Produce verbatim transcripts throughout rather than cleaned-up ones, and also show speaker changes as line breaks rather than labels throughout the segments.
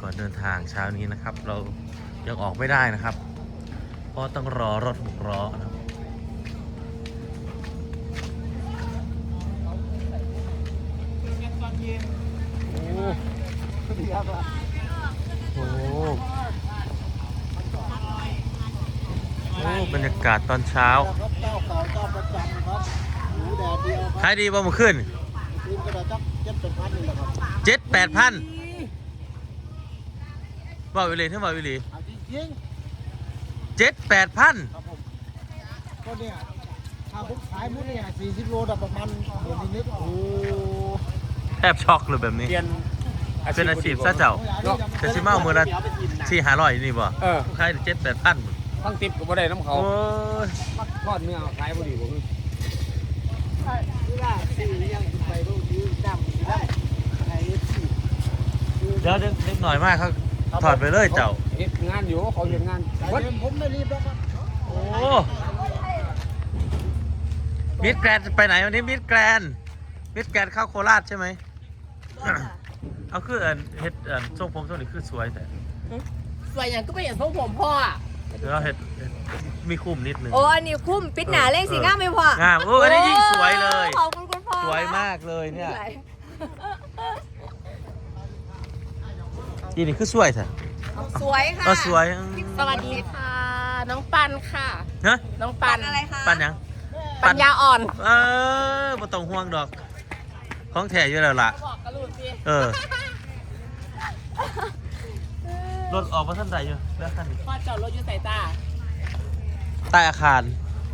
ก่อนเดินทางเช้านี้นะครับ เรายังออกไม่ได้นะครับ เพราะต้องรอรถหกล้อนะครับโอ้โหโอ้โหบรรยากาศตอนเช้าขายดีบ่เมื่อคืนเจ็ดแปดพันบ่าววิลีเท่าบ่าววิลีเจ็ดแปดพัน
ก็เนี่ยถ้าผมขายมุ้งเนี่ยสี่สิบโลแต่ประมาณเดือนนิดโอ้
แทบช็อกเลยแบบนี้เป็นอาชีพซะเจ้าแต่ชิมาเอามือละสี่ห้าร้อยนี่บ่ขายเจ็ดแปดพัน
ทั้งติบก็บ่ได้น้ำเขาทอดเนื้อขายบ่ดีบ่คือ
เดี๋ยวเล็กหน่อยมากเขาถอดไปเลยเจ้า
เฮ็ดงานอยู่เขาเฮ็ดงาน
ผมไม่รีบแล้วครับ
โอ้มิดแกรนไปไหนวันนี้มิดแกรนมิดแกรนเข้าโคราชใช่ไหมเอาคือเอ็นเฮ็ดเอ็นทรงผมทรงนี้คือสวยแต่
สวยอย่างก็ไปเห็นทรงผมพ่อ
เดี๋ยวเฮ็ดมีคุ้มนิดนึง
โอ้อันนี้คุ้มปิดหนาเล่งสีง่ามไม่พอง
ามโอ้อันนี้ยิ่งสวยเลย
ขอบคุณคุณพ่อ
สวยมากเลยเนี่ยนี่นี่คือสวยแท้
สวยค่ะ
สวย
สวัสดีค่ะน้องปันค่ะ
ฮะ
น้องปันอะไรคะ
ปันยัง
ปัญญาอ่อน
เออบ่ต้องห่วงดอกของแท้อยู่แล้วล่ะเออรถออกมาท่านใดอยู่แล้วคันนี้
พ่อจอดรถอยู่ใส่ตา
ใต้อาคาร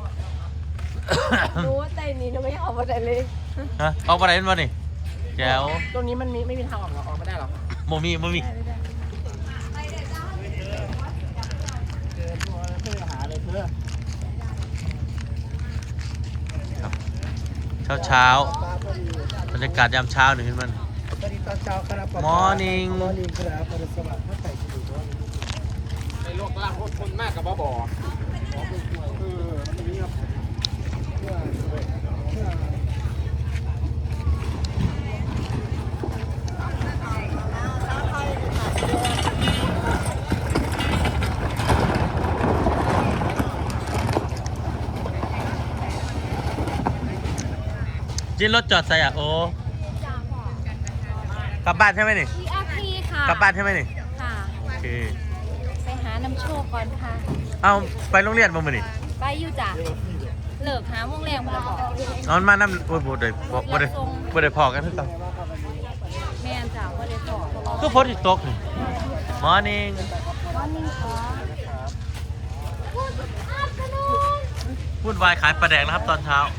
รู้ว่าใจนี้ทำไมออกมาได้เลย
ฮะออกมาไหนมานี่แจ๋ว
ตรงนี้มันมีไม่มีทางออกหรอออกไม่ได้หรอ
โมมีโมมีเช้าเช้าบรรยากาศยามเช้าหนึ่งขึ้นมันมอร์นิ่ง
ในโลกล่างคนมากกับบ่บ่
จินรถจอดใส่อ่ะโอ้กลับบ้านใช่ไหมนี่
ที่อาคีค่ะ
กลับบ้านใช่ไหมนี่
ค่ะ
โอเค
ไปหาน้ำโชคก่อนค่ะ
เอาไปโรงเรียนบ่มื้อนี่
ไปอยู่จ้ะเลิกหาโมงแรงพอบอก
นอนมานำโอ้ยบ่ได้บ่ได้บ่ได้พอกันคือกัน
แม่นจ้ะบ่ได้พอ
คือฝนสิตกนี่มอร์นิ่ง
มอร์นิ่งค่ะ
วุ่นวายขายปลาแดกนะครับตอนเช้า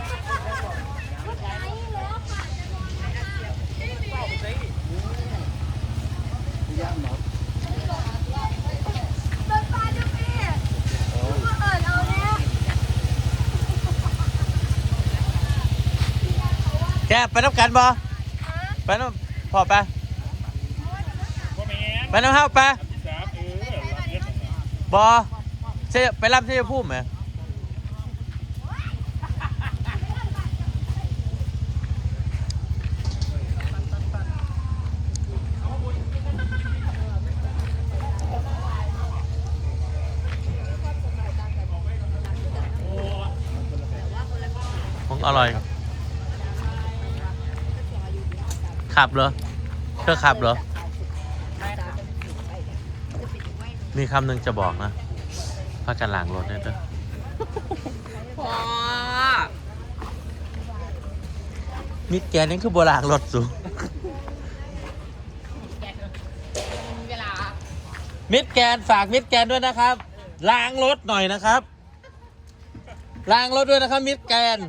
แกไปน้ำกันบ่ไปน้ำพอไปไปน้ำห้าวไปบ่เสียไปรับที่จะพูดไหมของอร่อยขับเหรอเธอขับเหรอมีคำหนึ่งจะบอกนะพากันล้างรถเนี่ยเด้อพอมิดแกนนี่คือโบราณรถสูมิดแกนฝากมิดแกนด้วยนะครับล้างรถหน่อยนะครับล้างรถด้วยนะครับมิดแกน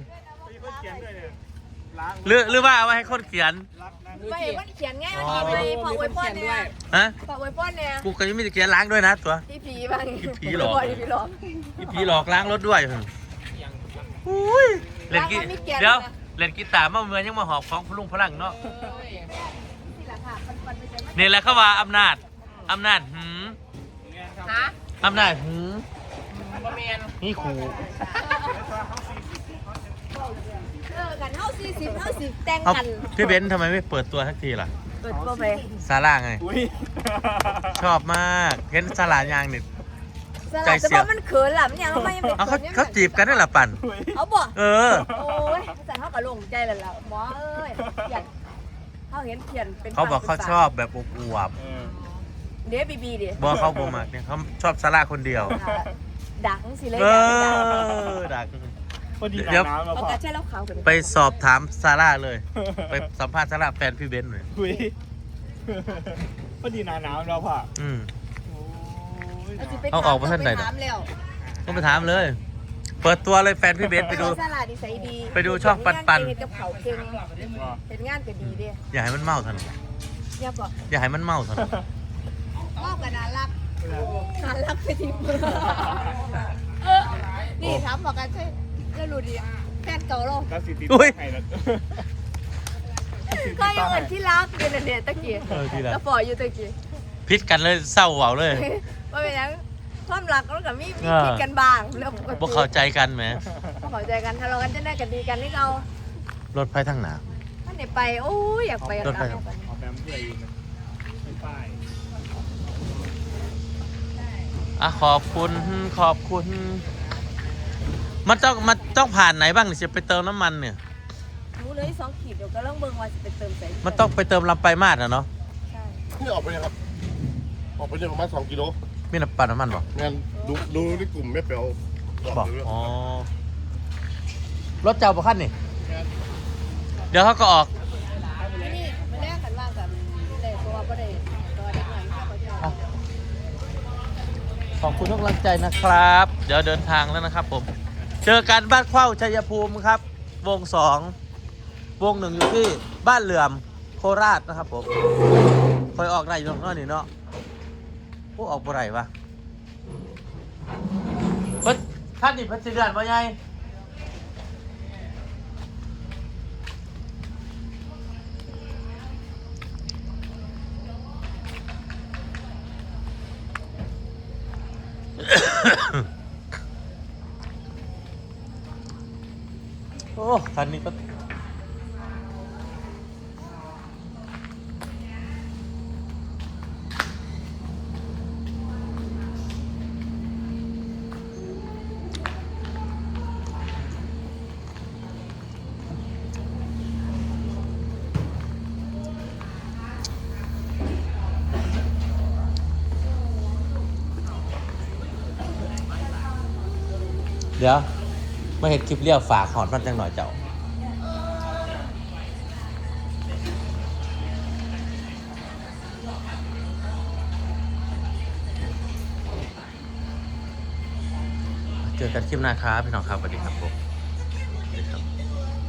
หรือหรือว่าเอาไว้ให้คนเขียน
ไปเห็นว่าเขียนง่ายมันดีไปพอไว้ป้อนเนี่ย
ฮะ
พอไว้ป้อนเนี่ย
กูก็ยังไม่ได้เขียนล้างด้วยนะตัว
พี่ผีบ้าง
พี่ผีหลอก
พี่หลอก
พี่ผีหลอกล้างรถด้วยอุ้ยเล่นกีเดี๋ยวเล่นกีตาร์มาเมืองยังมาหอบของพลุงพลังเนาะนี่แหละเขาว่าอำนาจอำนาจหืม
ฮะ
อำนาจหืมนี่ขู่
เออกันเท่าสี่สิบเท่าสิบแต่งกัน
พี่เบนซ์ทำไมไม่เปิดตัวทักทีล่ะ
เปิดตัวไป
ซาร่าไง
อุ้ย
ชอบมากเห็นซาร่ายางนี่
สลัดแต่ว่ามันเขินหล่ะมันยังไม่ยัง
เอาเขาเขาจีบกันได้หรอปั่น
เอาบ่
เออ
โอ้ยแต่เขาก็ลงใจแล้วล่ะหมอเอ้ยเขียนเขาเห็นเขียนเป็น
เขาบอกเขาชอบแบบอวบ
เออ
เดี๋ยวบีบีดิ
ๆบอกเขาบ่มากเนี่ยเขาชอบซาร่าคนเดียว
ดังสิเลย
เอ
ดัง
อดัก
พอดี
เดี๋ยว
น้ำแล้ว
เอา
พ่อก
ระเช้าแล้วขาวกัน
ไปสอบถามซาร่าเลย ไปสัมภาษณ์ซาร่าแฟนพี่เบนซ์เลย
อุ้ยพอดีน้ำน้ำแล้วพ่อ
อืม
โอ้ย
เอาออกมาท่านไหน
ถามแล้ว
ก็ไปถามเลย เปิดตัวเลยแฟนพี่เบนซ์ไปดู
สลัดดีใส่ดี
ไปดูช่องปันปัน
เห็นกับเขาเก่งเห็นงานก็ดีดิ
อย่าให้มันเมาทัน
อย่าบอก
อย่าให้มันเมาทัน
มอบกันน่ารักน่ารักไปทีมือนี่ถามบอกกันใช่แล้วรู้ดิแฟนเก่าเรา
แล้วสิติด
อุ้ย
ให้แล้ว
ก็ยังเหมือนที่รักเดือนเดือนตะกี้
เออที่รัก
แล้วปล่อยอยู่ตะกี้
พิษกันเลยเศร้าเหวาเลย
ว่าเป็นยังความรักแล้วกับมีมี
เออ
คิดกันบ้างแล้วปกติ
พวกเข้าใจกันไหม
บ่เข้าใจกันทะเลาะกันจะได้กันดีกันนี่เรา
รถไฟทางหนา
ท่านไหนไปโอ้ยอยากไปกับ
รถไฟ
เรา
เอาแบมเพื่อเองนะไม่ป้าย
อ่ะขอบคุณขอบคุณ มันต้องมันต้องผ่านไหนบ้างเนี่ยจะไปเติมน้ำมันเนี่ย
รู้เลยสองขีดเดี๋ยวก็ต้องเบิ่งว่าจะไปเติมใส่
มันต้องไปเติมลำไปลายมาดนะเนาะ
ใช่
นี่ออกไปยังครับ ออกไปเนี่ยประมาณสองกิโล
มีน้ำปั่นน้ำมันบอก
งั้นดูดูในกลุ่มไม่เปลว
บอกอ๋อรถเจ้าประคันนี่เดี๋ยวเขาก็ออก
ที่นี่มาแลกกันว่ากับได้เพราะว่าบ่ได้ตัวได้เงินเขาก็จะ
อ่ะขอบคุณทุกกำลังใจนะครับ เดี๋ยวเดินทางแล้วนะครับผม เจอกันบ้านเข้าชัยภูมิครับ วงสองวงหนึ่งอยู่ที่บ้านเหลื่อมโคราชนะครับผมคอยออกได้อยู่ตรงนั้นนี่เนาะพวกออกบ่ไรวะเพิ่นท่านนี่เพันสิเดือนว่าไงโอ้คันนี้ก็ เดี๋ยวมาเห็นคลิปเลี้ยวฝากหอนมันจังหน่อยเจ้าเจอกันคลิปหน้าครับพี่น้องครับสวัสดีครับผมสวัสดีครับ